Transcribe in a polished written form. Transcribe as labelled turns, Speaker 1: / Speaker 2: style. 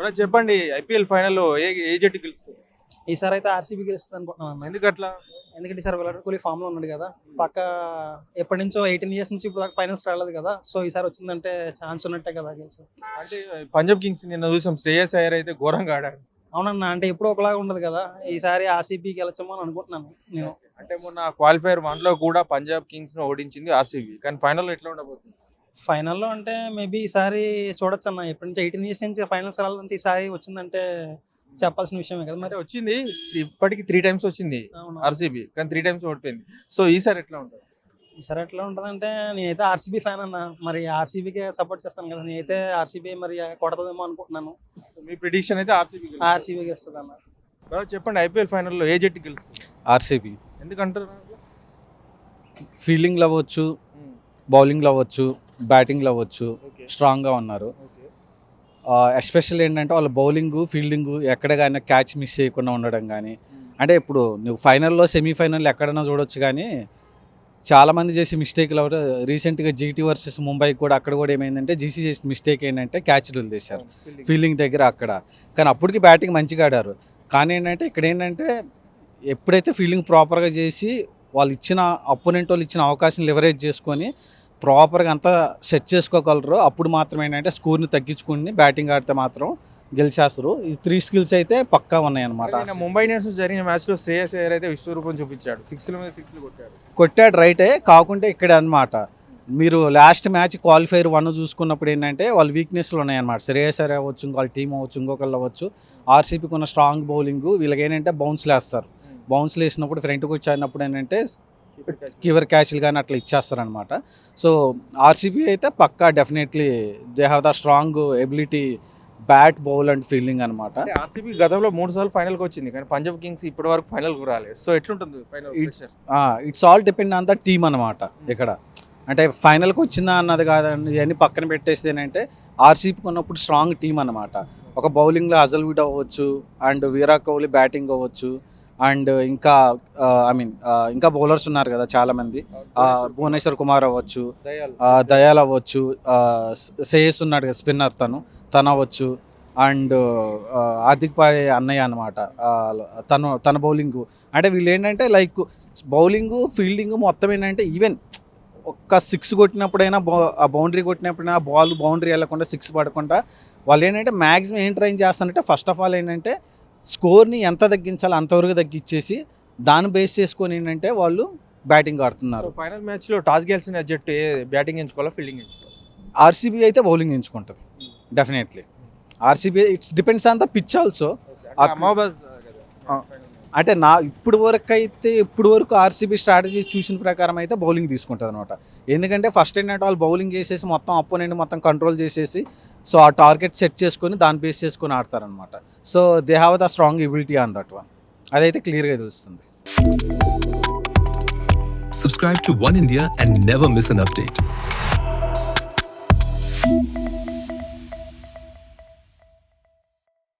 Speaker 1: Brother చెప్పండి, IPL ఫైనల్లో ఏ జట్టు గెలుస్తుంది?
Speaker 2: ఈసారి అయితే ఆర్సీబీ గెలుస్తుంది అనుకుంటున్నాను అన్న.
Speaker 1: ఎందుకు అట్లా?
Speaker 2: ఎందుకంటే ఈసారి విరాట్ కోహ్లీ ఫామ్ లో ఉన్నాడు కదా. పక్క ఎప్పటి నుంచో 18 years నుంచి ఇప్పుడు దాకా ఫైనల్స్ రాలేదు కదా. సో ఈసారి వచ్చిందంటే ఛాన్స్ ఉన్నట్టే కదా గెలిచి.
Speaker 1: అంటే పంజాబ్ కింగ్స్ నిన్న చూసాం, శ్రేయస్ అయ్యర్ అయితే ఘోరంగా ఆడారు.
Speaker 2: అవునన్నా, అంటే ఎప్పుడు ఒకలాగా ఉండదు కదా. ఈసారి ఆర్సీబీ గెలచమని అనుకుంటున్నాను నేను.
Speaker 1: అంటే మొన్న క్వాలిఫైర్ 1 లో కూడా పంజాబ్ కింగ్స్ ను ఓడించింది ఆర్సీబీ, కానీ ఫైనల్ ఎట్లా ఉండబోతుంది?
Speaker 2: ఫైనల్లో అంటే మేబీ ఈసారి చూడొచ్చు అన్న. ఎప్పటి నుంచి 18 years నుంచి ఫైనల్స్ రావాలంటే ఈసారి వచ్చిందంటే చెప్పాల్సిన విషయమే కదా మరి.
Speaker 1: అంటే వచ్చింది, ఇప్పటికి 3 times వచ్చింది
Speaker 2: అవును.
Speaker 1: ఆర్సీబీ, కానీ 3 times ఓడిపోయింది. సో ఈసారి ఎట్లా ఉంటుంది?
Speaker 2: ఈసారి ఎట్లా ఉంటుందంటే నేనైతే ఆర్సీబీ ఫ్యాన్ అన్న. మరి ఆర్సీబీకే సపోర్ట్ చేస్తాను కదా. నేనైతే ఆర్సీబీ మరి కొడతదేమో అనుకుంటున్నాను.
Speaker 1: మీ ప్రిడిక్షన్ అయితే ఆర్సీబీ.
Speaker 2: ఆర్సీబీ గెలుస్తుంది అన్న.
Speaker 1: చెప్పండి, ఐపీఎల్ ఫైనల్లో ఏ జట్టు గెలుస్తుంది?
Speaker 3: ఆర్సీబీ.
Speaker 1: ఎందుకంటారు?
Speaker 3: ఫీల్డింగ్లో అవ్వచ్చు, బౌలింగ్లో అవ్వచ్చు, బ్యాటింగ్లో అవ్వచ్చు, స్ట్రాంగ్గా ఉన్నారు. ఎస్పెషల్ ఏంటంటే వాళ్ళ బౌలింగ్, ఫీల్డింగ్ ఎక్కడ కానీ క్యాచ్ మిస్ చేయకుండా ఉండడం కానీ. అంటే ఇప్పుడు నువ్వు ఫైనల్లో, సెమీఫైనల్ ఎక్కడైనా చూడొచ్చు, కానీ చాలామంది చేసే మిస్టేక్లు ఎవరు రీసెంట్గా జీటీ వర్సెస్ ముంబైకి కూడా అక్కడ కూడా ఏమైందంటే జీసీ చేసిన మిస్టేక్ ఏంటంటే క్యాచ్లు వదిలేశారు ఫీల్డింగ్ దగ్గర అక్కడ. కానీ అప్పటికి బ్యాటింగ్ మంచిగా ఆడారు. కానీ ఏంటంటే ఇక్కడ ఏంటంటే ఎప్పుడైతే ఫీల్డింగ్ ప్రాపర్గా చేసి వాళ్ళు ఇచ్చిన అపోనెంట్ వాళ్ళు ఇచ్చిన అవకాశం లివరేజ్ చేసుకొని ప్రాపర్గా అంతా సెట్ చేసుకోగలరు, అప్పుడు మాత్రం ఏంటంటే స్కోర్ని తగ్గించుకుని బ్యాటింగ్ ఆడితే మాత్రం గెలిచేస్తారు. ఈ 3 skills అయితే పక్కా ఉన్నాయన్నమాట.
Speaker 1: ముంబై ఇండియన్స్ జరిగిన మ్యాచ్ లో శ్రేయస్ అయ్యర్ అయితే విశ్వరూపం చూపించాడు, 6 మీద 6
Speaker 3: కొట్టాడు రైటే. కాకుంటే ఇక్కడ అనమాట మీరు లాస్ట్ మ్యాచ్ క్వాలిఫైర్ 1 చూసుకున్నప్పుడు ఏంటంటే వాళ్ళ వీక్నెస్లు ఉన్నాయన్నమాట. శ్రేయస్ అయ్యర్ అవ్వచ్చు, ఇంకో టీం అవ్వచ్చు, ఇంకొకళ్ళు అవ్వచ్చు. ఆర్సీబీకి ఉన్న స్ట్రాంగ్ బౌలింగ్, వీళ్ళకి ఏంటంటే బౌన్స్లు వేస్తారు. బౌన్స్లు వేసినప్పుడు ఫ్రంట్కి వచ్చాడినప్పుడు ఏంటంటే కీవర్ క్యాచ్లు కానీ అట్లా ఇచ్చేస్తారనమాట. సో ఆర్సీబీ అయితే పక్కా definitely they have the strong ability, bat, bowl and fielding అనమాట.
Speaker 1: ఆర్సీబీ గతంలో 3 సార్లు ఫైనల్కి వచ్చింది, కానీ పంజాబ్ కింగ్స్ ఇప్పటి వరకు ఫైనల్కి రాలేదు. సో ఎట్లుంటుంది final?
Speaker 3: It's all depend on the team అనమాట. ఇక్కడ అంటే ఫైనల్కి వచ్చిందా అన్నది కాదండి, ఇవన్నీ పక్కన పెట్టేసి ఏంటంటే ఆర్సీబీకి ఉన్నప్పుడు స్ట్రాంగ్ టీం అనమాట. ఒక బౌలింగ్లో అజల్వుడ్ అవ్వచ్చు, అండ్ విరాట్ కోహ్లీ బ్యాటింగ్ అవ్వచ్చు, అండ్ ఇంకా ఇంకా బౌలర్స్ ఉన్నారు కదా చాలామంది. భువనేశ్వర్ కుమార్ అవ్వచ్చు, దయాల్ అవ్వచ్చు, శ్రేయస్ ఉన్నాడు కదా స్పిన్నర్, తను అవ్వచ్చు, అండ్ హార్దిక్ పాండ్యా అన్నయ్య అనమాట. తన బౌలింగ్ అంటే వీళ్ళు ఏంటంటే లైక్ బౌలింగ్, ఫీల్డింగ్ మొత్తం ఏంటంటే ఈవెన్ ఒక్క 6 కొట్టినప్పుడైనా బౌండరీ కొట్టినప్పుడైనా బౌండరీ వెళ్ళకుండా 6 పడకుండా వాళ్ళు ఏంటంటే మ్యాక్సిమం ఏం ట్రైన్ చేస్తారంటే ఫస్ట్ ఆఫ్ ఆల్ ఏంటంటే స్కోర్ని ఎంత తగ్గించాలో అంతవరకు తగ్గించేసి దాన్ని బేస్ చేసుకొని ఏంటంటే వాళ్ళు బ్యాటింగ్ ఆడుతున్నారు.
Speaker 1: ఫైనల్ మ్యాచ్లో టాస్ గెలిచిన జట్టు బ్యాటింగ్ ఎంచుకోవాలా, ఫీల్డింగ్ ఎంచుకోవాలి?
Speaker 3: ఆర్సీబీ అయితే బౌలింగ్ ఎంచుకుంటుంది definitely. RCB it's depends on the pitch also. అంటే ఇప్పుడు వరకు ఆర్సీబీ స్ట్రాటజీ చూసిన ప్రకారం అయితే బౌలింగ్ తీసుకుంటుంది అనమాట. ఎందుకంటే ఫస్ట్ ఏంటంటే వాళ్ళు బౌలింగ్ చేసేసి మొత్తం అపోనెంట్ మొత్తం కంట్రోల్ చేసేసి సో ఆ టార్గెట్ సెట్ చేసుకొని దాన్ని బేస్ చేసుకొని ఆడతారనమాట. So they have the strong ability on that one. అదైతే క్లియర్గా తెలుస్తుంది.
Speaker 4: Subscribe to One India and never miss an update.